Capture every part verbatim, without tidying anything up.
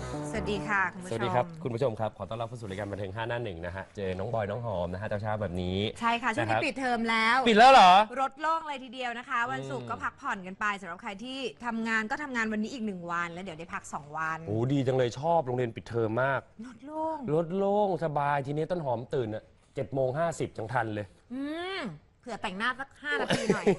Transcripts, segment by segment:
สวัสดีค่ะคุณผู้ชมสวัสดีครับคุณผู้ชมครับขอต้อนรับเข้าสู่รายการบันเทิงห้าหน้าหนึ่งนะฮะเจอน้องบอยน้องหอมนะฮะเช้าๆแบบนี้ใช่ค่ะช่วงนี้ปิดเทอมแล้วปิดแล้วเหรอรถโล่งเลยทีเดียวนะคะวันศุกร์ก็พักผ่อนกันไปสำหรับใครที่ทำงานก็ทำงานวันนี้อีกหนึ่งวันแล้วเดี๋ยวได้พักสองวันโอ้ดีจังเลยชอบโรงเรียนปิดเทอมมากรถโล่งรถโล่งสบายทีนี้ต้นหอมตื่นอ่ะเจ็ดโมงห้าสิบจังทันเลยอืมเผื่อแต่งหน้าสักห้านาทีหน่อย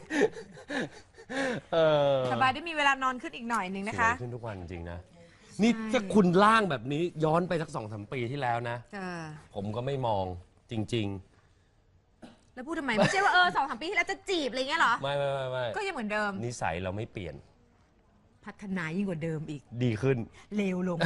สบายได้มีเวลานอนขึ้นอีกหน่อยหนึ่งนะคะขึ้นทุกวันจริงนะนี่ถ้าคุณล่างแบบนี้ย้อนไปสักสองสามปีที่แล้วนะผมก็ไม่มองจริงๆแล้วพูดทำไมไม่ใช่ว่าเออสองสามปีที่แล้วจะจีบอะไรเงี้ยหรอไม่ไม่ไม่ไม่ก็ยังเหมือนเดิมนิสัยเราไม่เปลี่ยนพัฒนายิ่งกว่าเดิมอีกดีขึ้นเลวลง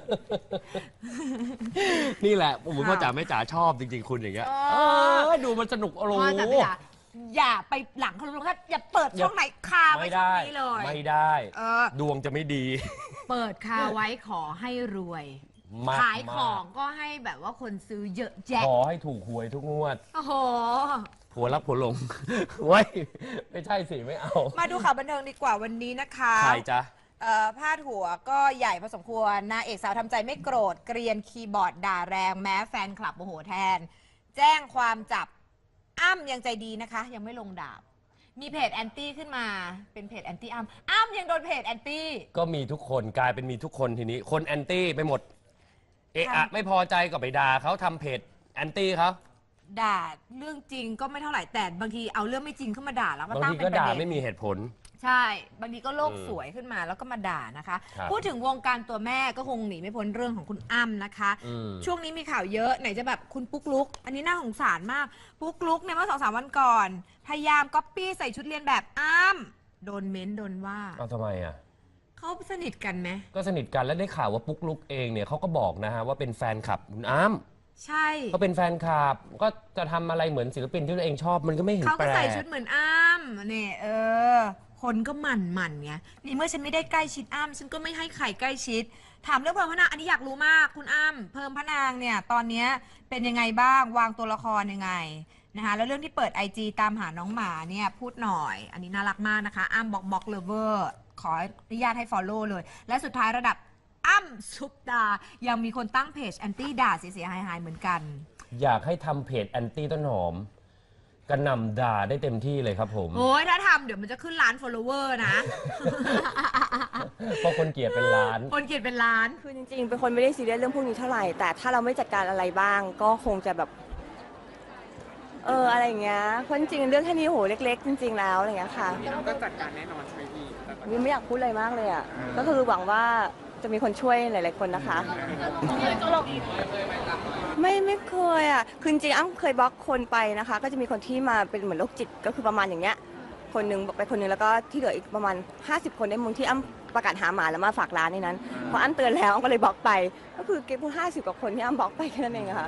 นี่แหละผมพ่อจ๋าแม่จ๋าชอบจริงๆคุณอย่างเงี้ยดูมันสนุกอารมณ์อย่าไปหลังเขาลงถ้าอย่าเปิดช่องไหนคาไว้ช่องนี้เลยไม่ได้ดวงจะไม่ดีเปิดคาไว้ขอให้รวยขายของก็ให้แบบว่าคนซื้อเยอะแยะขอให้ถูกหวยทุกงวดโอ้โหผัวรักผัวหลงไว้ไม่ใช่สิไม่เอามาดูข่าวบันเทิงดีกว่าวันนี้นะคะใครจ๊ะพาดหัวก็ใหญ่พอสมควรนางเอกสาวทำใจไม่โกรธเกรียนคีย์บอร์ดด่าแรงแม้แฟนคลับโมโหแทนแจ้งความจับอ้ำยังใจดีนะคะยังไม่ลงดาบมีเพจแอนตี้ขึ้นมาเป็นเพจแอนตี้อ้ำอ้ำยังโดนเพจแอนตี้ก็มีทุกคนกลายเป็นมีทุกคนทีนี้คนแอนตี้ไปหมดเอะอะไม่พอใจก็ไปด่าเขาทำเพจแอนตี้เขาด่าเรื่องจริงก็ไม่เท่าไหร่แต่บางทีเอาเรื่องไม่จริงขึ้นมาด่าแล้วก็ตั้งเป็นประเด็นบางทีก็ด่าไม่มีเหตุผลใช่บางทีก็โลกสวยขึ้นมาแล้วก็มาด่านะคะพูดถึงวงการตัวแม่ก็คงหนีไม่พ้นเรื่องของคุณอ้ำนะคะช่วงนี้มีข่าวเยอะไหนจะแบบคุณปุ๊กลุกอันนี้น่าสงสารมากปุ๊กลุกเนี่ยเมื่อสองสามวันก่อนพยายามก๊อปปี้ใส่ชุดเรียนแบบอ้ำโดนเม้นโดนว่าเอาทำไมอ่ะเขาสนิทกันไหมก็สนิทกันแล้วได้ข่าวว่าปุ๊กลุกเองเนี่ยเขาก็บอกนะฮะว่าเป็นแฟนคลับคุณอ้ำใช่เขาเป็นแฟนคลับก็จะทำอะไรเหมือนศิลปินที่ตัวเองชอบมันก็ไม่เห็นแปลกเขาก็ใส่ชุดเหมือนอ้ำเนี่ยเออคนก็หมั่นหมั่นไงนี่เมื่อฉันไม่ได้ใกล้ชิดอ้ำฉันก็ไม่ให้ใครใกล้ชิดถามเรื่องเพิ่มพระนางอันนี้อยากรู้มากคุณอ้ำเพิ่มพระนางเนี่ยตอนนี้เป็นยังไงบ้างวางตัวละครยังไงนะคะแล้วเรื่องที่เปิด ไอ จี ตามหาน้องหมาเนี่ยพูดหน่อยอันนี้น่ารักมากนะคะอ้ำบอกบอกเลเวอร์ขออนุญาตให้ follow เลยและสุดท้ายระดับอ้ำซุปตายังมีคนตั้งเพจแอนตี้ด่าเสียหายหายเหมือนกันอยากให้ทำเพจแอนตี้ต้นหอมกระหน่ำด่าได้เต็มที่เลยครับผมโอ้ยถ้าทำเดี๋ยวมันจะขึ้นล้าน follower นะเพราะคนเกลียดเป็นล้านคนเกลียดเป็นล้านคือจริงๆเป็นคนไม่ได้ซีเรียสเรื่องพวกนี้เท่าไหร่แต่ถ้าเราไม่จัดการอะไรบ้างก็คงจะแบบเอออะไรอย่างเงี้ยเพราะจริงๆเรื่องแค่นี้โหเล็กๆจริงๆแล้วอะไรอย่างเงี้ยค่ะก็จัดการแน่นอนใช่ไหมพี่วิไม่อยากพูดอะไรมากเลยอ่ะก็คือหวังว่าจะมีคนช่วยหลายๆคนนะคะไม่ไม่เคยอ่ะคือจริงๆอ้ำเคยบล็อกคนไปนะคะก็จะมีคนที่มาเป็นเหมือนโรคจิตก็คือประมาณอย่างเงี้ยคนนึงบอกไปคนนึงแล้วก็ที่เหลืออีกประมาณห้าสิบคนได้มึงที่อ้ำประกาศหาหมาแล้วมาฝากร้านในนั้นพออ้ำเตือนแล้วอ้ำก็เลยบล็อกไปก็คือเก็บพวกห้าสิบกว่าคนที่อ้ำบล็อกไปแค่นั้นเองค่ะ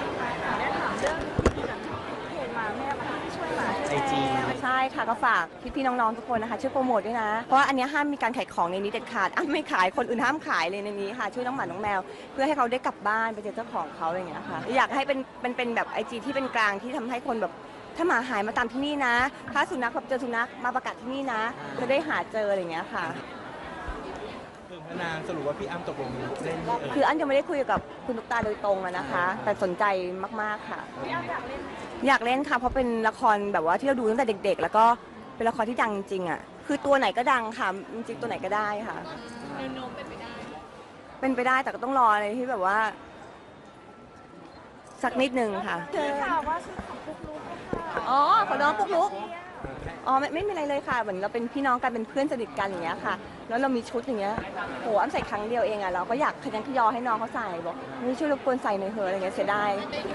ไอจีใช่ค่ะก็ฝากพี่ๆน้องๆทุกคนนะคะช่วยโปรโมทด้วยนะเพราะว่าอันนี้ห้ามมีการขายของในนี้เด็ดขาดอ้ำไม่ขายคนอื่นห้ามขายเลยในนี้ค่ะช่วยน้องหมาน้องแมวเพื่อให้เขาได้กลับบ้านไปเจอเจ้าของเขาอะไรอย่างเงี้ยค่ะอยากให้เป็นเป็นเป็นแบบไอจีที่เป็นกลางที่ทำให้คนแบบถ้าหมาหายมาตามที่นี่นะถ้าสุนัขแบบเจอสุนัขมาประกาศที่นี่นะจะได้หาเจออะไรอย่างเงี้ยค่ะเพิ่งพนางสรุปว่าพี่อ้ำตกลงเล่นคืออ้ำยังไม่ได้คุยกับคุณตุ๊กตาโดยตรงนะคะแต่สนใจมากๆค่ะพี่อ้ำอยากเล่นอยากเล่นค่ะเพราะเป็นละครแบบว่าที่เราดูตั้งแต่เด็กๆแล้วก็เป็นละครที่ดังจริงอ่ะคือตัวไหนก็ดังค่ะจริงๆตัวไหนก็ได้ค่ะแนวโน้มเป็นไปได้เป็นไปได้แต่ก็ต้องรออะไรที่แบบว่าสักนิดนึงค่ะข่าวว่าชื่อของปุ๊กลุ๊กอ๋อของน้องปุ๊กลุ๊กอ๋อไม่ไม่มีอะไรเลยค่ะเหมือนเราเป็นพี่น้องกันเป็นเพื่อนสนิทกันอย่างเงี้ยค่ะแล้วเรามีชุดอย่างเงี้ยโหอ้ำใส่ครั้งเดียวเองอ่ะเราก็อยากขยันขยอให้น้องเขาใส่บอกนี่ช่วยรบกวนใส่หน่อยเถอะอะไรเงี้ยเสียดาย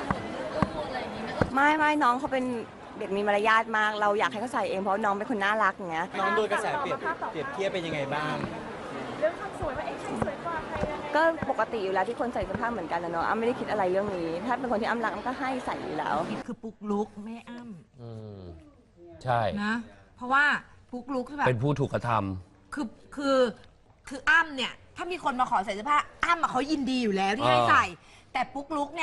ไม่ไม่น้องเขาเป็นเด็กมีมารยาทมากเราอยากให้เขาใส่เองเพราะน้องเป็นคนน่ารักอย่างเงี้ยน้องโดนกระแสเปรียบเปรียบเทียบเป็นยังไงบ้างเรื่องความสวยว่าเอ๊ะใครสวยกว่าใครยังไงก็ปกติอยู่แล้วที่คนใส่เสื้อผ้าเหมือนกันนะเนาะอ้ำไม่ได้คิดอะไรเรื่องนี้ถ้าเป็นคนที่อ้ำรักอ้ำก็ให้ใส่อยู่แล้วคือปุ๊กลุกไม่อ้ำอืมใช่นะเพราะว่าปุ๊กลุกคือแบบเป็นผู้ถูกกระทำคือคือคืออ้ำเนี่ยถ้ามีคนมาขอใส่เสื้อผ้าอ้ำเขายินดีอยู่แล้วที่ให้ใส่แต่ปุ๊กลุกเนี่ย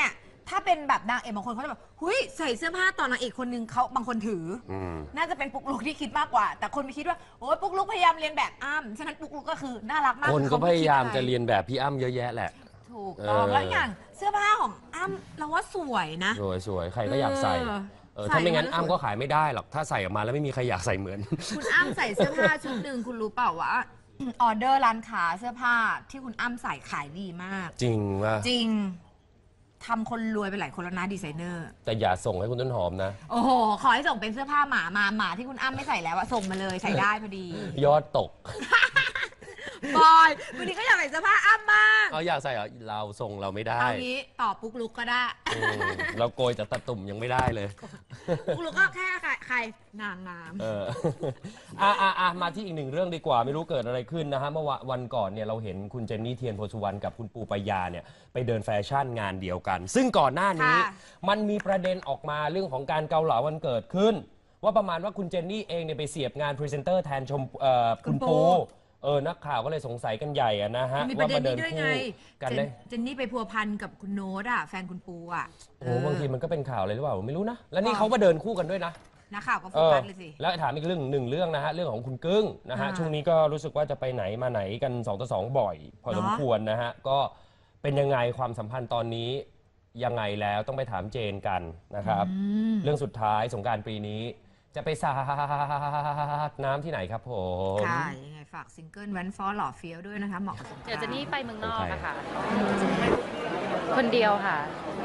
ถ้าเป็นแบบนางเอกบางคนเขาจะแบบหุยใส่เสื้อผ้าตอนนางเอกคนนึงเขาบางคนถืออมน่าจะเป็นปุ๊กลุกที่คิดมากกว่า แต่คนไปคิดว่าโอ้ยปุ๊กลุกพยายามเรียนแบบอ้ำฉะนั้นปุ๊กลุกก็คือน่ารักมากคนก็เขพไคิดยายามอไจะเรียนแบบพี่อ้ำเยอะแยะแหละถูกต้องเออแล้วอย่างเสื้อผ้าของอ้ำเราว่าสวยนะสวยสวยใครก็อยากใส่เออเออใส่ถ้าไม่งั้นแล้วอ้ำสวยก็ขายไม่ได้หรอกถ้าใส่ออกมาแล้วไม่มีใครอยากใส่เหมือนคุณอ้ำใส่เสื้อผ้าชุดหนึ่งคุณรู้เปล่าว่า ออเดอร์ร้านค้าเสื้อผ้าที่คุณอ้ำใส่ขายดีมากจริงว่าจริงทำคนรวยไปหลายคนแล้วนะดีไซเนอร์แต่อย่าส่งให้คุณต้นหอมนะโอ้โห ขอให้ส่งเป็นเสื้อผ้าหมามาหมาที่คุณอ้ำไม่ใส่แล้วอะส่งมาเลยใส่ได้พอดียอดตกบอยวันนี้ก็อยากใส่เสื้อผ้าอ้ำมากเอาอยากใส่เหรอเราส่งเราไม่ได้เอางี้ต่อปุ๊กลุกก็ได้อืมเราโกยจากตะตุ่มยังไม่ได้เลยปุ๊กลุกก็แค่ใครใครนางงามเออ อ่ะอ่ะอ่ะมาที่อีกหนึ่งเรื่องดีกว่าไม่รู้เกิดอะไรขึ้นนะฮะเมื่อวะวันก่อนเนี่ยเราเห็นคุณเจนนี่เทียนโพสุวรรณกับคุณปูปายาเนี่ยไปเดินแฟชั่นงานเดียวกัน ซึ่งก่อนหน้านี้ค่ะมันมีประเด็นออกมาเรื่องของการเกาเหลาวันเกิดขึ้น ว่าประมาณว่าคุณเจนนี่เองเนี่ยไปเสียบงานพรีเซนเตอร์แทนชมเอ่อคุณปูเออนักข่าวก็เลยสงสัยกันใหญ่อะนะฮะมีประเด็นว่ามาเดินี้นด้วยคู่ไงกันเจเลนยเจนนี่ไปพัวพันกับคุณโน้ตอะแฟนคุณปูอะโอ้โหบางทีมันก็เป็นข่าวอะไรหรือเปล่าไม่รู้นะแล้วนี่อ๋อเขามาเดินคู่กันด้วยนะนักข่าวก็โฟเออกัสเลยสิแล้วถามอีกเรื่องหนึ่งเรื่องนะฮะเรื่องของคุณกึ้งนะฮะอ่าช่วงนี้ก็รู้สึกว่าจะไปไหนมาไหนกันสองต่อสองบ่อย พอเหรอสมควรนะฮะก็เป็นยังไงความสัมพันธ์ตอนนี้ยังไงแล้วต้องไปถามเจนกันนะครับอืมเรื่องสุดท้ายสงกรารปีนี้ จะไปสาดน้ำที่ไหนครับผมค่ะยังไงฝากซิงเกิลแวนฟอร์หล่อเฟี้ยวด้วยนะคะเหมาะกับสงกรานต์เดี๋ยวเจะนี่ไปเมืองนอกโอเคอะค่ะ คนเดียวค่ะ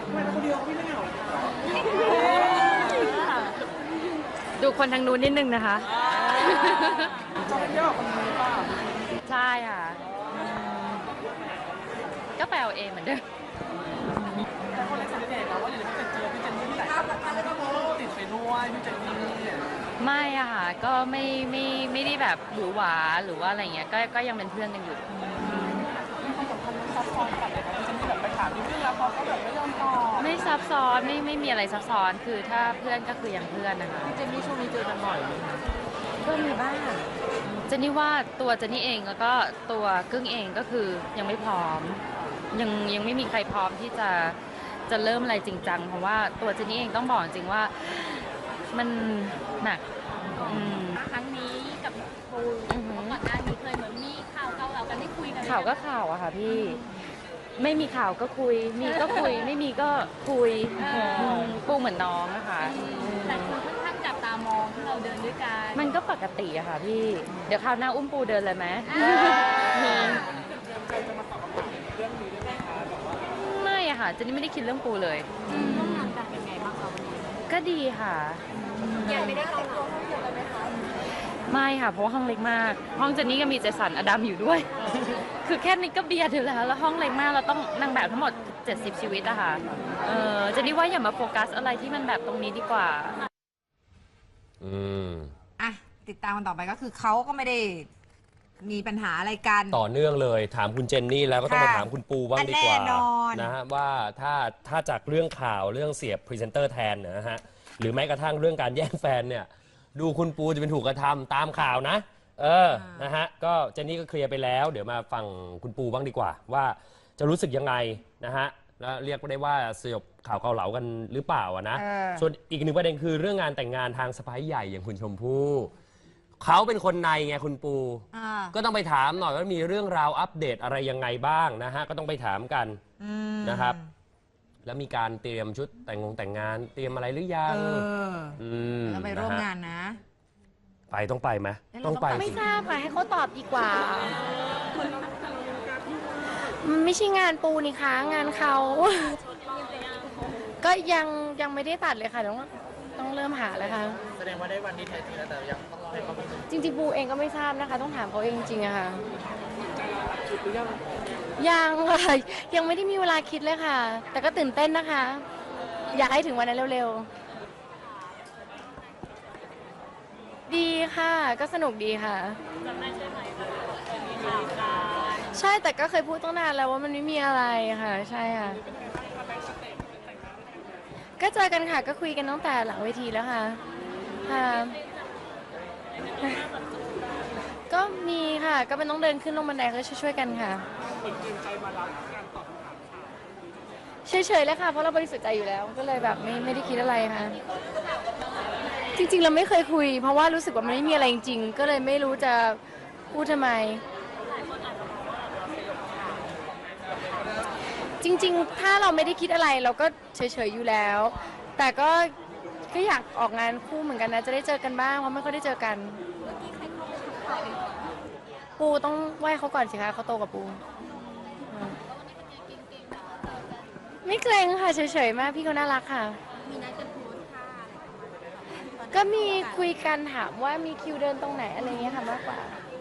ดูคนทางนู้นนิดนึงนะคะจะไปเที่ยวกับคนนี้ป่ะใช่ค่ะ ก็ไปเอาเองเหมือนเดิมแต่คนเล็กสังเกตนะว่าอยู่ในพี่เจนเจอพี่เจนนี่ที่ไหนติดไปด้วยพี่เจนนี่ไม่อะค่ะ ก็ไม่ไม่ไม่ได้แบบหวือหวาหรือว่าอะไรเงี้ย ก็ก็ยังเป็นเพื่อนกันอยู่มีความสัมพันธ์ซับซ้อนกันเลยนะพี่เจนนี่แบบไปถามนิดนึงแล้วเขาก็แบบไม่ยอมตอบไม่ซับซ้อนไม่ไม่มีอะไรซับซ้อน คือถ้าเพื่อนก็คือยังเพื่อนนะคะพี่เจนนี่ช่วงนี้เจอกันบ่อยไหมคะก็มีบ้างเจนนี่ว่าตัวเจนนี่เองแล้วก็ตัวกึ้งเองก็คือยังไม่พร้อม ยังยังไม่มีใครพร้อมที่จะจะเริ่มอะไรจริงจังเพราะว่าตัวเจนนี่เองต้องบอกจริงว่ามันหนักอืมครั้งนี้กับปูอือหือก่อนหน้านี้เคยเหมือนมีข่าวเกาเหลากันได้คุยกันไหมข่าวก็ข่าวอะค่ะพี่ ไม่มีข่าวก็คุย มีก็คุย ไม่มีก็คุยมปูเหมือนน้องนะคะแต่คนค่อนข้างจับตามองที่เราเดินด้วยกันมันก็ปกติอะค่ะพี่ เดี๋ยวคราวหน้าอุ้มปูเดินเลยไหมไม่อะค่ะเจนนี่ไม่ได้คิดเรื่องปูเลยร่วมงานกันเป็นไงบ้างคะวันนี้ก็ดีค่ะยังไม่ได้เข้าร่วมห้องเดียวกันไหมคะไม่ค่ะ เพราะว่าห้องเล็กมาก ห้องเจนนี่ก็มีเจสันอดัมอยู่ด้วย คือแค่นี้ก็เบียดอยู่แล้ว แล้วห้องเล็กมาก เราต้องนางแบบทั้งหมด เจ็ดสิบ ชีวิตอะค่ะ เออเจนนี่ว่าอย่ามาโฟกัสอะไรที่มันแบบตรงนี้ดีกว่าอืมอ่ะ ติดตามกันต่อไปก็คือเขาก็ไม่ได้มีปัญหาอะไรกันต่อเนื่องเลยถามคุณเจนนี่แล้วก็ต้องมาค่ะถามคุณปูบ้างดีกว่าแน่นอนนะฮะว่าถ้าถ้าจากเรื่องข่าวเรื่องเสียบพรีเซนเตอร์แทนเนยนะฮะหรือแม้กระทั่งเรื่องการแย่งแฟนเนี่ยดูคุณปูจะเป็นถูกกระทำตามข่าวนะ เออนะฮะก็เจนนี่ก็เคลียร์ไปแล้ว เดี๋ยวมาฟังคุณปูบ้างดีกว่า ว่าจะรู้สึกยังไงนะฮะแล้วเรียกได้ว่าสยบข่าวเกาเหลากันหรือเปล่าอะนะเออส่วนอีกหนึ่งประเด็นคือเรื่องงานแต่งงานทางสไปใหญ่อย่างคุณชมพู่เขาเป็นคนในไงคุณปูอ่าก็ต้องไปถามหน่อยว่ามีเรื่องราวอัปเดตอะไรยังไงบ้างนะฮะก็ต้องไปถามกันอืมนะครับ แล้วมีการเตรียมชุดแต่งงงแต่งงาน เตรียมอะไรหรือยัเอง อมแล้วไปร่วมะฮะงานนะไปต้องไปไหมเอ๊ะต้องไปเราต้องไปไม่สิทราบค่ะให้เขาตอบดีกว่า มันไม่ใช่งานปูนี่คะงานเขา ก็ยังยังไม่ได้ตัดเลยค่ะต้องต้องเริ่มหาเลยค่ะแสดงว่าได้วันที่แท้จริงแล้วแต่ยังต้องรอให้เขาเป็นจริงๆปูเองก็ไม่ทราบนะคะ ต้องถามเขาเองจริงๆอะค่ะชุดหรือยังยังค่ะ ยังไม่ได้มีเวลาคิดเลยค่ะ แต่ก็ตื่นเต้นนะคะ อยากให้ถึงวันนั้นเร็วๆ ดีค่ะ ก็สนุกดีค่ะใช่แต่ก็เคยพูดตั้งนานแล้วว่ามันไม่มีอะไรค่ะ ใช่ค่ะ ก็เจอกันค่ะ ก็คุยกันตั้งแต่หลังเวทีแล้วค่ะค่ะ ก็มีค่ะ ก็เป็นต้องเดินขึ้นลงบันไดก็ช่วยๆกันค่ะเฉยๆเลยค่ะ เพราะเราบริสุทธิ์ใจอยู่แล้ว ก็เลยแบบไม่ไม่ได้คิดอะไรค่ะ จริงๆ เราไม่เคยคุย เพราะว่ารู้สึกว่ามันไม่มีอะไรจริงๆ ก็เลยไม่รู้จะพูดทำไม จริงๆ ถ้าเราไม่ได้คิดอะไรเราก็เฉยๆ อยู่แล้ว แต่ก็ก็อยากออกงานคู่เหมือนกันนะ จะได้เจอกันบ้าง เพราะไม่ค่อยได้เจอกัน ปูต้องไหว้เขาก่อนสิคะเขาโตกว่าปู ไม่เกรงค่ะเฉยๆ มากพี่เขาน่ารักค่ะ ก็มีคุยกันถามว่ามีคิวเดินตรงไหนอะไรเงี้ยค่ะมากกว่า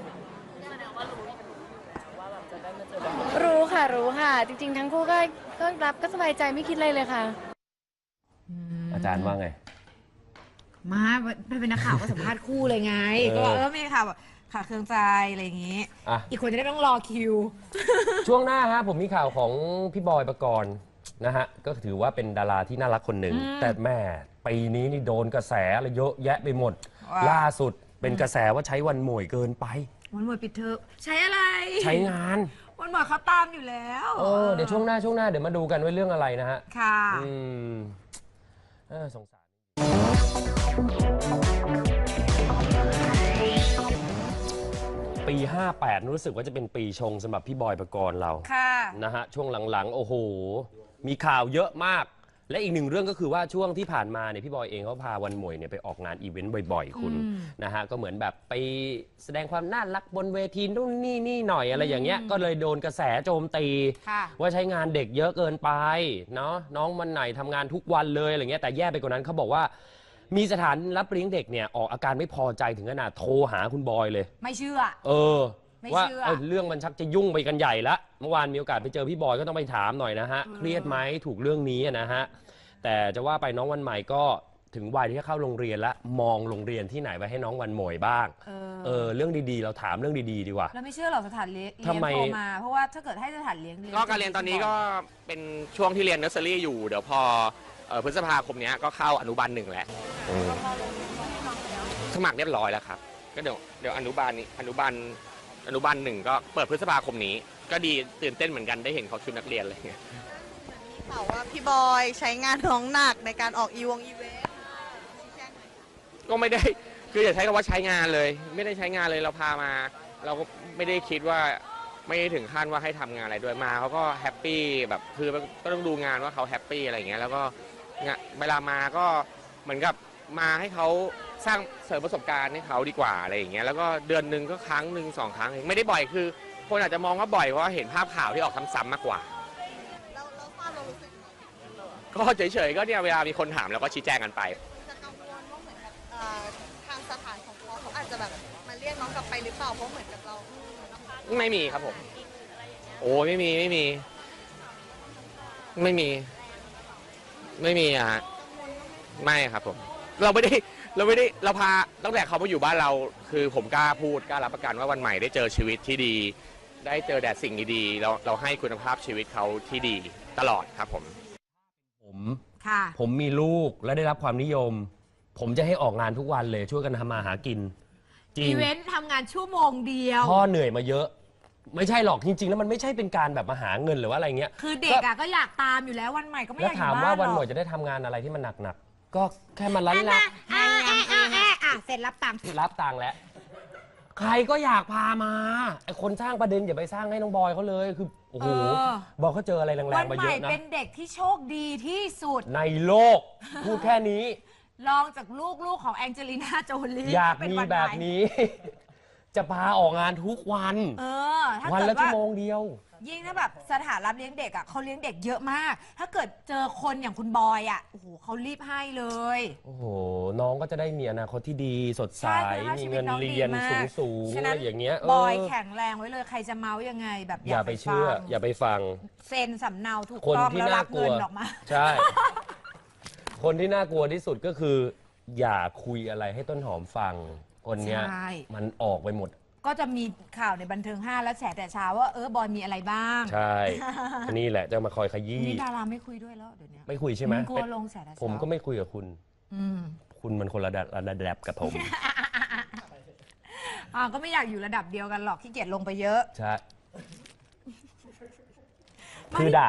รู้ค่ะรู้ค่ะ จริงๆ ทั้งคู่ก็ก็รับก็สบายใจไม่คิดอะไรเลยค่ะอาจารย์ว่าไงมาเป็นนักข่าวก็สัมภาษณ์คู่เลยไงเออก็เออไม่ข่าวแบบขาดเครื่องใจอะไรอย่างงี้อ่ะอีกคนจะได้ไม่ต้องรอคิวช่วงหน้าฮะผมมีข่าวของพี่บอยปกรณ์นะฮะก็ถือว่าเป็นดาราที่น่ารักคนหนึ่งอืมแต่แม่ปีนี้นี่โดนกระแสอะไรเยอะแยะไปหมดว้าล่าสุดเป็นกระแสว่าใช้วันหม่วยเกินไปวันหมดปิดเทอมใช้อะไรใช้งานวันหมดเขาตามอยู่แล้วเออเดี๋ยวช่วงหน้าช่วงหน้าเดี๋ยวมาดูกันว่าเรื่องอะไรนะฮะค่ะอืมเออสงสารปีห้าแปดรู้สึกว่าจะเป็นปีชงสำหรับพี่บอยปกรณ์เราค่ะนะฮะช่วงหลังๆ โอ้โห มีข่าวเยอะมาก และอีกหนึ่งเรื่องก็คือว่าช่วงที่ผ่านมาเนี่ยพี่บอยเองเขาพาวันหมวยเนี่ยไปออกงานอีเวนต์บ่อยๆ คุณอืมนะฮะก็เหมือนแบบไปแสดงความน่ารักบนเวทีนู่นนี่นี่หน่อยอะไรอย่างเงี้ยก็เลยโดนกระแสโจมตีค่ะว่าใช้งานเด็กเยอะเกินไปเนาะน้องมันไหนทำงานทุกวันเลยอะไรเงี้ยแต่แย่ไปกว่านั้นเขาบอกว่ามีสถานรับเลี้ยงเด็กเนี่ยออกอาการไม่พอใจถึงขนาดโทรหาคุณบอยเลยไม่เชื่อเออไม่ว่าเชื่อเอ้ยเรื่องมันชักจะยุ่งไปกันใหญ่ละเมื่อวานมีโอกาสไปเจอพี่บอยก็ต้องไปถามหน่อยนะฮะ เครียดไหมถูกเรื่องนี้อะนะฮะ แต่จะว่าไปน้องวันใหม่ก็ถึงวัยที่จะเข้าโรงเรียนแล้วมองโรงเรียนที่ไหนไปให้น้องวันหมวยบ้างเออเออเรื่องดีๆ เราถามเรื่องดีๆดีกว่าแล้วไม่เชื่อหรอกสถานเลี้ยงทำไมโทรมา เพราะว่าถ้าเกิดให้สถานเลี้ยงก็การเรียนตอนนี้ก็เป็นช่วงที่เรียนเนอร์เซอรี่อยู่ เดี๋ยวพอเอ่อพฤษภาคมเนี้ยก็เข้าอนุบาลหนึ่งแหละเออสมัครเรียบร้อยแล้วครับ ก็เดี๋ยวเดี๋ยวอนุบาลนี้อนุบาลอนุบาลหนึ่งก็เปิดพฤษภาคมนี้ ก็ดีตื่นเต้นเหมือนกันได้เห็นเขาชุดนักเรียนอะไรเงี้ยข่าวว่าพี่บอยใช้งานน้องหนักในการออกอีวงอีเวนต์ก็ไม่ได้คืออย่าใช้คำว่าใช้งานเลย ไม่ได้ใช้งานเลยเราพามา เราก็ไม่ได้คิดว่าไม่ได้ถึงขั้นว่าให้ทำงานอะไรด้วยมาเขาก็แฮปปี้แบบคือก็ต้องดูงานว่าเขาแฮปปี้อะไรอย่างเงี้ยแล้วก็งะเวลามาก็เหมือนกับมาให้เขาสร้างเสริมประสบการณ์ให้เขาดีกว่าอะไรอย่างเงี้ยแล้วก็เดือนหนึ่งก็ครั้งหนึ่งสองครั้งเองไม่ได้บ่อยคือ คนอาจจะมองว่าบ่อยเพราะว่าเห็นภาพข่าวที่ออกซ้ำๆมากกว่าแล้วแล้วความเรารู้สึกไงก็เฉยๆก็เนี่ยเวลามีคนถามเราก็ชี้แจงกันไปจะกังวลว่าเหมือนกับเอ่อทางสถานของเขาเขาอาจจะแบบมาเรียกน้องกลับไปหรือเปล่าเพราะเหมือนกับเราอืมไม่มีครับผม โอ้ไม่มีไม่มี ไม่มี ไม่มีอะฮะไม่ครับผม เราไม่ได้เราไม่ได้เราพาตั้งแต่เขามาอยู่บ้านเรา คือผมกล้าพูดกล้ารับประกันว่าวันใหม่ได้เจอชีวิตที่ดี ได้เจอแต่สิ่งดีๆเราเราให้คุณภาพชีวิตเขาที่ดีตลอดครับผมผมค่ะผมมีลูกและได้รับความนิยม ผมจะให้ออกงานทุกวันเลยช่วยกันทำมาหากิน จริอีงเวนต์ทำงานชั่วโมงเดียวพ่อเหนื่อยมาเยอะ ไม่ใช่หรอกจริง ๆ แล้วมันไม่ใช่เป็นการแบบมาหาเงินหรือว่าอะไรเงี้ยคือเด็กอ่ะก็อยากตามอยู่แล้ววันใหม่ก็ไม่อแล้วยากอถามยู่ว่าบ้านวันหหรน่อวยกจะได้ทำงานอะไรที่มันหนักๆก็แค่มาลันละอ่าอ่าอ่าอ่าอ่าเสร็จรับตังค์รับตังค์แล้ว ใครก็อยากพามาไอคนสร้างประเด็นอย่าไปสร้างให้น้องบอยเขาเลยคือโอ้โหเออบอกเขาเจออะไรแรวังนๆมาใหเยม่อะนะเป็นเด็กที่โชคดีที่สุดในโลก พูดแค่นี้ลองจากลูกลูกของแองเจลิน่าโจลีอยากเป็นมีวันแบบใหม่นี้ จะพาออกงานทุกวันเออถ้าวันเกิละดชั่ว่าวโมงเดียวยิ่งถ้าแบบสถานรับเลี้ยงเด็กอ่ะเขาเลี้ยงเด็กเยอะมาก ถ้าเกิดเจอคนอย่างคุณบอยอ่ะโอ้โหเขารีบให้เลยโอ้โห น้องก็จะได้มีอนาคตที่ดีสดใสใช่คุณภาพมีชีวิเงิตนน้องดีเรียนมากสูงๆฉะอะนั้ไรนอย่างเงี้ยบอยเแข็งแรงไว้เลยใครจะเมาส์ยังไงแบบอย่าไปเชื่อฟังอย่าไปฟังเซ็นสำเนาถูกคนต้องที่แล้วน่ารับกลัเงิวนออกมาใช่ คนที่น่ากลัวที่สุดก็คือ อย่าคุยอะไรให้ต้นหอมฟัง คนเนี้ยใช่มันออกไปหมดก็จะมีข่าวในบันเทิงห้าแล้วแฉแต่เช้าว่าเออบอยมีอะไรบ้างใช่ นี่แหละจะมาคอยขยี้นี่ดาราไม่คุยด้วยแล้วเดี๋ยวนี้ไม่คุยใช่ไหมกลัวลงแฉแต่เช้าผมก็ไม่คุยกับคุณอืมคุณมันคนละระดับระดับกับผมอ่าก็ไม่อยากอยู่ระดับเดียวกันหรอกขี้เกียจลงไปเยอะใช่ คือด่า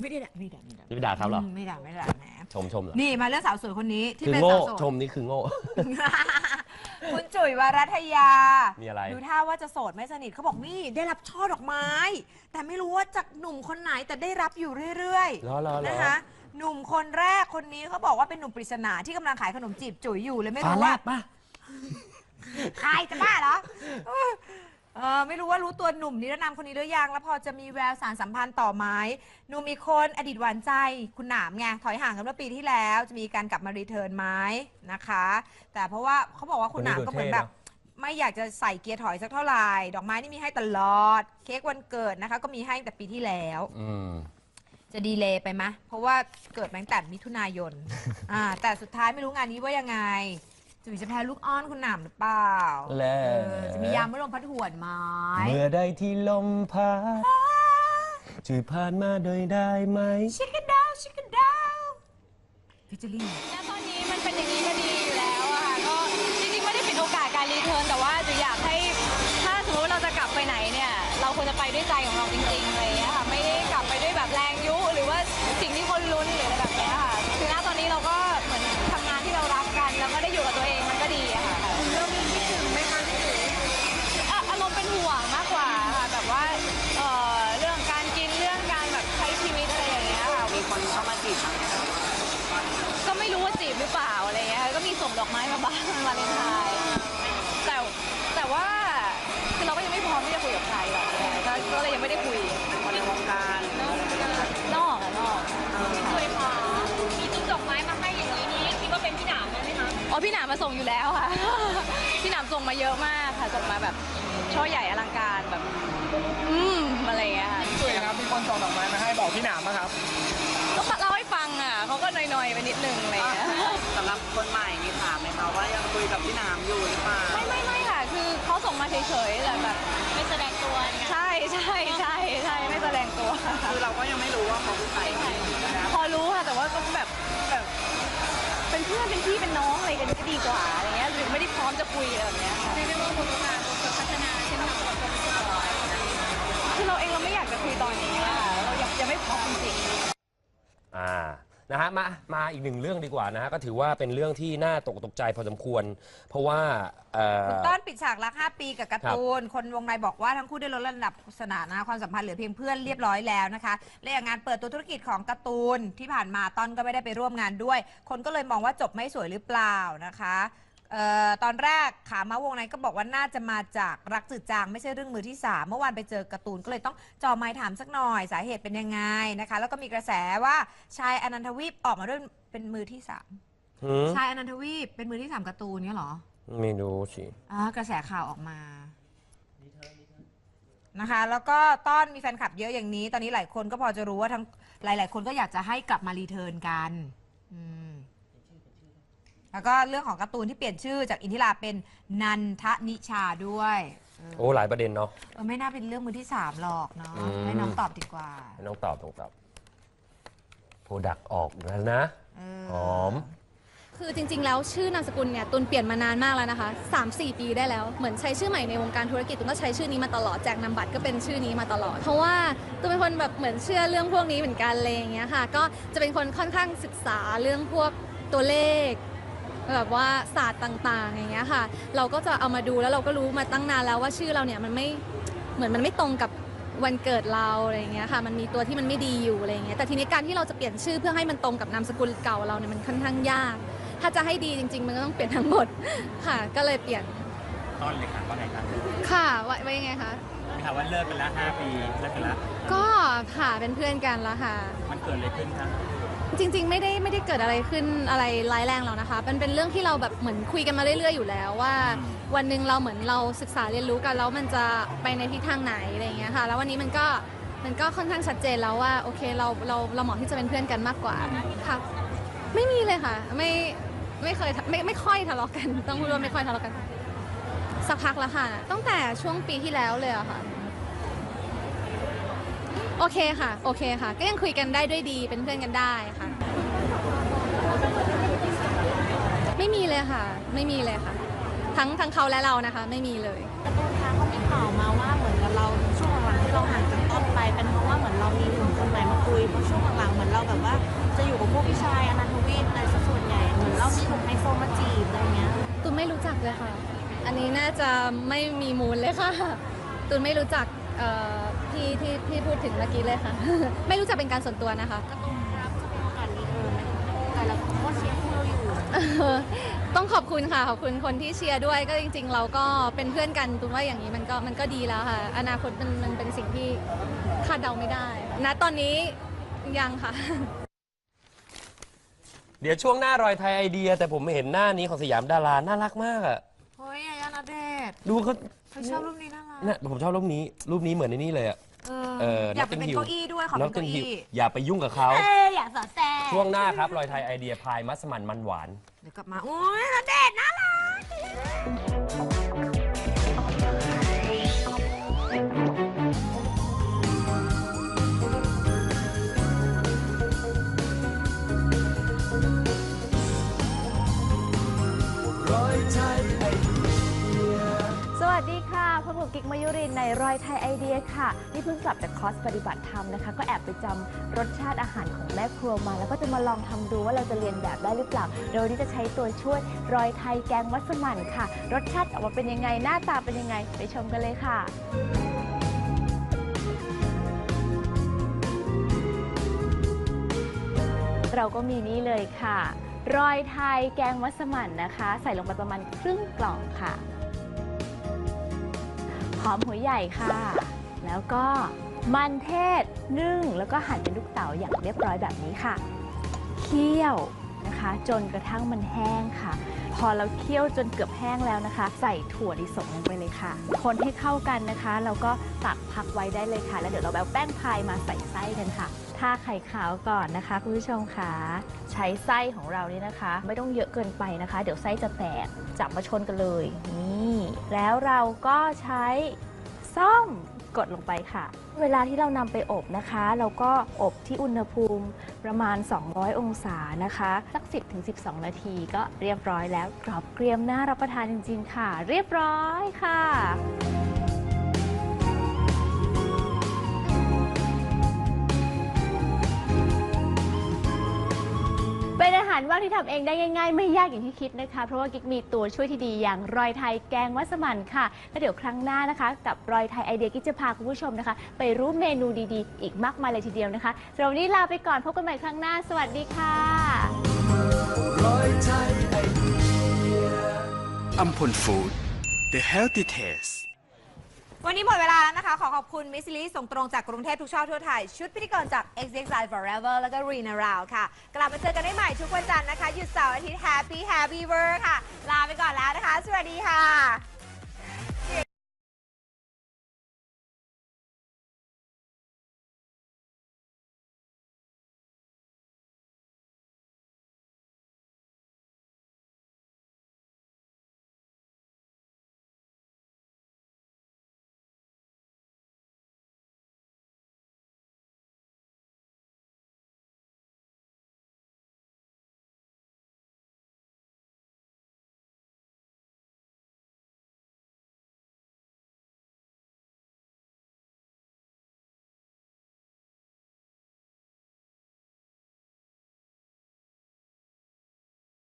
ไม่ได้ด่าไม่ได้ไม่ได้ไม่ด่าเขาเหรอไม่ด่าไม่ด่าแหมชมชมเหรอนี่มาเรื่องสาวสวยคนนี้ที่คือเป็นโง่สาวโสดชมนี่คือโง่คุณจุ๋ยวรัตยามีอะไรดูท่าว่าจะโสดไม่สนิทเขาบอกนี่ได้รับช่อดอกไม้ แต่ไม่รู้ว่าจากหนุ่มคนไหนแต่ได้รับอยู่เรื่อยรอรอรอนะคะหนุ่มคนแรกคนนี้เขาบอกว่าเป็นหนุ่มปริศนาที่กำลังขายขนมจีบจุ๋ยอยู่เลยไม่รู้ว่าป่ะใครจะบ้าเหรอเออไม่รู้ว่ารู้ตัวหนุ่มนิรนามคนนี้หรือยังแล้วพอจะมีแววสารสัมพันธ์ต่อไหมหนุ่มอีกคนอดีตหวานใจคุณหนามไงถอยห่างกันเมื่อปีที่แล้วจะมีการกลับมารีเทิร์นไหมนะคะ แต่เพราะว่าเขาบอกว่าคุณหนามก็เหมือนแบบ ไม่อยากจะใส่เกียร์ถอยสักเท่าไหร่ดอกไม้นี่มีให้ตลอดเค้กวันเกิดนะคะก็มีให้ตั้งแต่ปีที่แล้วอืมจะดีเลย์ไปไหมเพราะว่าเกิดมาตั้งแต่มิถุนายน อ่าแต่สุดท้ายไม่รู้งานนี้ว่ายังไงจุ๋ยจะแพ้ลูกอ้อนคุณหนามหรือเปล่าและเออจะมียามเมื่อลมพัดหวนไหมเมื่อใดที่ลมพัดจุยผ่านมาโดยได้ไหมชิคกี้ดาวชิคกี้ดาวพิจิลี่แล้วตอนนี้มันเป็นอย่างนี้ก็ดีอยู่แล้วอะค่ะก็จริงๆไม่ได้ปิดโอกาสการรีเทิร์นแต่ว่าจุ๋ยอยากให้ถ้าสมมติว่าเราจะกลับไปไหนเนี่ยเราควรจะไปด้วยใจของเราจริงๆอะไรอย่างเงี้ยค่ะไม่ได้กลับไปด้วยแบบแรงยุหรือว่าสิ่งที่คนลุ้นหรืออะไรแบบเนี้ยค่ะคือณตอนนี้เราก็เหมือนทำงานที่เรารักกันแล้วก็ได้อยู่กับตัวเองมันก็ดีอะค่ะเรื่องนี้คิดถึงไหมคะพี่จุ๋ยอ่ะอารมณ์เป็นห่วงมากกว่าค่ะแบบว่าเอ่อเรื่องการกินเรื่องการแบบใช้ชีวิตอะไรอย่างเงี้ยค่ะมีคนเข้ามาจีบก็ไม่รู้ว่าจีบหรือเปล่าอะไรเงี้ยก็มีส่งดอกไม้มาบ้างวาเลนไทน์แต่แต่ว่าคือเราก็ยังไม่พร้อมที่จะคุยกับใครหรอกก็ก็เลยยังไม่ได้คุยคนในวงการนอกอะนอกเคยพามีจุดดอกไม้มาให้อย่างนี้นี่คิดว่าเป็นพี่หนามไหมคะอ๋อพี่หนามมาส่งอยู่แล้วค่ะ พี่หนามส่งมาเยอะมากค่ะส่งมาแบบช่อใหญ่อลังการแบบอืมอะไรเงี้ยค่ะสวยครับมีคนส่งดอกไม้มาให้บอกพี่หนามนะครับก็เล่าให้ฟังอ่ะเขาก็หน่อยๆไปนิดนึงอะไรเงี้ยสำหรับคนใหม่มีถามไหมคะว่ายังคุยกับพี่หนามอยู่หรือเปล่าไม่ไม่ไม่ค่ะ คือเขาส่งมาเฉยๆแต่แบบไม่แสดงตัวใช่ใช่ใช่ใช่ไม่แสดงตัวคือเราก็ยังไม่รู้ว่าเขาเป็นใครพอรู้ค่ะแต่ว่าก็แบบแบบเป็นเพื่อนเป็นพี่เป็นน้องอะไรกันก็ดีกว่าอะไรเงี้ยหรือไม่ได้พร้อมจะคุยอะไรแบบเนี้ยค่ะเรียกว่าคนทำงานคนพัฒนาใช่ไหมคะคือเราเองเราไม่อยากจะคุยตอนนี้อะเรายังยังไม่พร้อมจริงๆอ่า นะฮะ มา มาอีกหนึ่งเรื่องดีกว่านะฮะ ก็ถือว่าเป็นเรื่องที่น่าตกตกใจพอสมควร เพราะว่าเอ่อคุณต้นปิดฉากรักห้าปีกับการ์ตูน คนวงในบอกว่าทั้งคู่ได้ลดระดับสถานะความสัมพันธ์เหลือเพียงเพื่อนเรียบร้อยแล้วนะคะและอย่างงานเปิดตัวธุรกิจของการ์ตูนที่ผ่านมาต้นก็ไม่ได้ไปร่วมงานด้วย คนก็เลยมองว่าจบไม่สวยหรือเปล่านะคะเอ่อตอนแรกขามาวงในก็บอกว่าน่าจะมาจากรักจืดจางไม่ใช่เรื่องมือที่สามเมื่อวานไปเจอการ์ตูนก็เลยต้องจ่อไมค์ถามสักหน่อยสาเหตุเป็นยังไงนะคะแล้วก็มีกระแสว่าชายอนันทวีปออกมาด้วยเป็นมือที่สามหืมชายอนันทวีปเป็นมือที่สามการ์ตูนเนี่ยเหรอไม่รู้สิอ่ากระแสข่าวออกมานะคะ แล้วก็ต้อนมีแฟนคลับเยอะอย่างนี้ ตอนนี้หลายคนก็พอจะรู้ว่าทั้งหลาย ๆ คนก็อยากจะให้กลับมารีเทิร์นกันอืมแล้วก็เรื่องของการ์ตูนที่เปลี่ยนชื่อจากอินทิราเป็นนันทนิชาด้วยเออโอ้ หลายประเด็นเนาะเออไม่น่าเป็นเรื่องมือที่สามหรอกเนาะอืมให้น้องตอบดีกว่าให้น้องตอบต้องตอบโปรดักออกแล้วนะเออหอมคือจริงๆ แล้วชื่อนามสกุลเนี่ยตุนเปลี่ยนมานานมากแล้วนะคะ สามสี่ ปีได้แล้ว เหมือนใช้ชื่อใหม่ในวงการธุรกิจตุนก็ใช้ชื่อนี้มาตลอดแจกนามบัตรก็เป็นชื่อนี้มาตลอด เพราะว่าตุนเป็นคนแบบเหมือนเชื่อเรื่องพวกนี้เหมือนกันอะไรอย่างเงี้ยค่ะก็จะเป็นคนค่อนข้างศึกษาเรื่องพวกตัวเลขแบบว่าศาสตร์ต่างๆอย่างเงี้ยค่ะเราก็จะเอามาดูแล้วเราก็รู้มาตั้งนานแล้วว่าชื่อเราเนี่ยมันไม่เหมือนมันไม่ตรงกับวันเกิดเราอะไรอย่างเงี้ยค่ะมันมีตัวที่มันไม่ดีอยู่อะไรอย่างเงี้ยแต่ทีนี้การที่เราจะเปลี่ยนชื่อเพื่อให้มันตรงกับนามสกุลเก่าเราเนี่ยมันค่อนข้างยากถ้าจะให้ดีจริงๆ มันก็ต้องเปลี่ยนทั้งหมดค่ะก็เลยเปลี่ยนต้นเลยค่ะว่าไงครับค่ะว่าว่ายังไงคะมีข่าวว่าเลิกกันแล้วห้าปีเลิกกันแล้วก็ค่ะเป็นเพื่อนกันแล้วค่ะมันเกิดอะไรขึ้นครับจริงๆไม่ได้ไม่ได้เกิดอะไรขึ้นอะไรร้ายแรงหรอกนะคะเป็นเป็นเรื่องที่เราแบบเหมือนคุยกันมาเรื่อยๆอยู่แล้วว่า วันหนึ่งเราเหมือนเราศึกษาเรียนรู้กันแล้วมันจะไปในทิศทางไหนอะไรอย่างเงี้ยค่ะแล้ววันนี้มันก็มันก็ค่อนข้างชัดเจนแล้วว่าโอเคเราเราเราเหมาะที่จะเป็นเพื่อนกันมากกว่าค่ะไม่มีเลยค่ะไม่ไม่เคยไม่ไม่ค่อยทะเลาะกันต้องพูดว่าไม่ค่อยทะเลาะกันสักพักแล้วค่ะตั้งแต่ช่วงปีที่แล้วเลยอะค่ะโอเคค่ะโอเคค่ะก็ยังคุยกันได้ด้วยดีเป็นเพื่อนกันได้ค่ะไม่มีเลยค่ะไม่มีเลยค่ะทั้งทั้งเขาและเรานะคะไม่มีเลยการ์ตูนคะเขามีข่าวมาว่าเหมือนกับเราช่วงหลังที่เราห่างจากต้นไปเป็นเพราะว่าเหมือนเรามีหนุ่มคนใหม่มาคุยเพราะช่วงหลังๆเหมือนเราแบบว่าจะอยู่กับพวกพี่ชายอนันทวิทย์อะไรซะส่วนใหญ่เหมือนเรามีถูกไฮโซมาจีบอะไรเงี้ยตูนไม่รู้จักเลยค่ะ อันนี้น่าจะไม่มีมูลเลยค่ะ ตูนไม่รู้จักเอ่อพี่ที่พี่พูดถึงเมื่อกี้เลยค่ะ ไม่รู้จักเป็นการส่วนตัวนะคะก็ต้องรับจะเป็นโอกาสรีเทิร์นไหมแต่เราก็เชียร์คู่เราอยู่ต้องขอบคุณค่ะ ขอบคุณคนที่เชียร์ด้วย ก็จริงๆ เราก็เป็นเพื่อนกันตูนว่าอย่างนี้มันก็มันก็ดีแล้วค่ะ อนาคตมันมันเป็นสิ่งที่คาดเดาไม่ได้ ณ ตอนนี้ยังค่ะเดี๋ยวช่วงหน้ารอยไทยไอเดีย แต่ผมเห็นหน้านี้ของสยามดาราน่ารักมากอะเฮ้ยยายาณเดชน์ดูเขาเขาชอบรูปนี้น่ารักเนี่ยผมชอบรูปนี้รูปนี้เหมือนในนี่เลยอะเอเออออยากไปเป็นเก้าอี้ด้วยขอเป็นเก้าอี้อย่าไปยุ่งกับเขาเอ้ยอยากสอดแทรกช่วงหน้าครับรอยไทยไอเดียพายมัสมั่นมันหวานเดี๋ยวกลับมา โอ้ยณเดชน์น่ารักสวัสดีค่ะพบกับกิ๊กมยุรินในรอยไทยไอเดียค่ะนี่เพิ่งกลับจากคอร์สปฏิบัติธรรมนะคะก็แอบไปจำรสชาติอาหารของแม่ครัวมา แล้วก็จะมาลองทำดูว่าเราจะเรียนแบบได้หรือเปล่าโดยที่จะใช้ตัวช่วยรอยไทยแกงมัสมั่นค่ะรสชาติออกมาเป็นยังไงหน้าตาเป็นยังไงไปชมกันเลยค่ะเราก็มีนี่เลยค่ะรอยไทยแกงมัสมั่นนะคะใส่ลงไปประมาณครึ่งกล่องค่ะหอมหัวใหญ่ค่ะ แล้วก็มันเทศนึ่งแล้วก็หั่นเป็นลูกเต๋าอย่างเรียบร้อยแบบนี้ค่ะ เคี่ยวนะคะ จนกระทั่งมันแห้งค่ะ พอเราเคี่ยวจนเกือบแห้งแล้วนะคะ ใส่ถั่วลิสงลงไปเลยค่ะ คนให้เข้ากันนะคะแล้วก็ตักพักไว้ได้เลยค่ะ แล้วเดี๋ยวเราเอาแป้งพายมาใส่ไส้กันค่ะทาไข่ขาวก่อนนะคะคุณผู้ชมค่ะใช้ไส้ของเรานี่นะคะ ไม่ต้องเยอะเกินไปนะคะ เดี๋ยวไส้จะแตกจับมาชนกันเลยนี่แล้วเราก็ใช้ส้อมกดลงไปค่ะ เวลาที่เรานำไปอบนะคะ เราก็อบที่อุณหภูมิประมาณสองร้อยองศานะคะสัก สิบถึงสิบสอง นาทีก็เรียบร้อยแล้วกรอบเกรียมน่ารับประทานจริงๆค่ะ เรียบร้อยค่ะ เป็นอาหารว่างที่ทำเองได้ง่ายๆไม่ยากอย่างที่คิดนะคะเพราะว่ากิ๊กมีตัวช่วยที่ดีอย่างรอยไทยแกงมัสมั่นค่ะแล้วเดี๋ยวครั้งหน้านะคะกับรอยไทยไอเดียกิ๊กจะพาคุณผู้ชมนะคะไปรู้เมนูดีๆอีกมากมายเลยทีเดียวนะคะสำหรับวันนี้ลาไปก่อนพบกันใหม่ครั้งหน้าสวัสดีค่ะรอยไทยไอเดียอัมพลฟู้ด The Healthy Taste วันนี้หมดเวลาแล้วนะคะ ขอขอบคุณมิสซิลี่ส่งตรงจากกรุงเทพทุกช่อทั่วไทย ชุดพิธีกรจาก เอ็กซ์ เอ็กซ์ ไลน์ Forever แล้วก็ Rina Rao ค่ะ กลับมาเจอกันได้ใหม่ทุกวันจันทร์นะคะ หยุดเสาร์อาทิตย์ Happy Happy Work ค่ะ ลาไปก่อนแล้วนะคะ สวัสดีค่ะ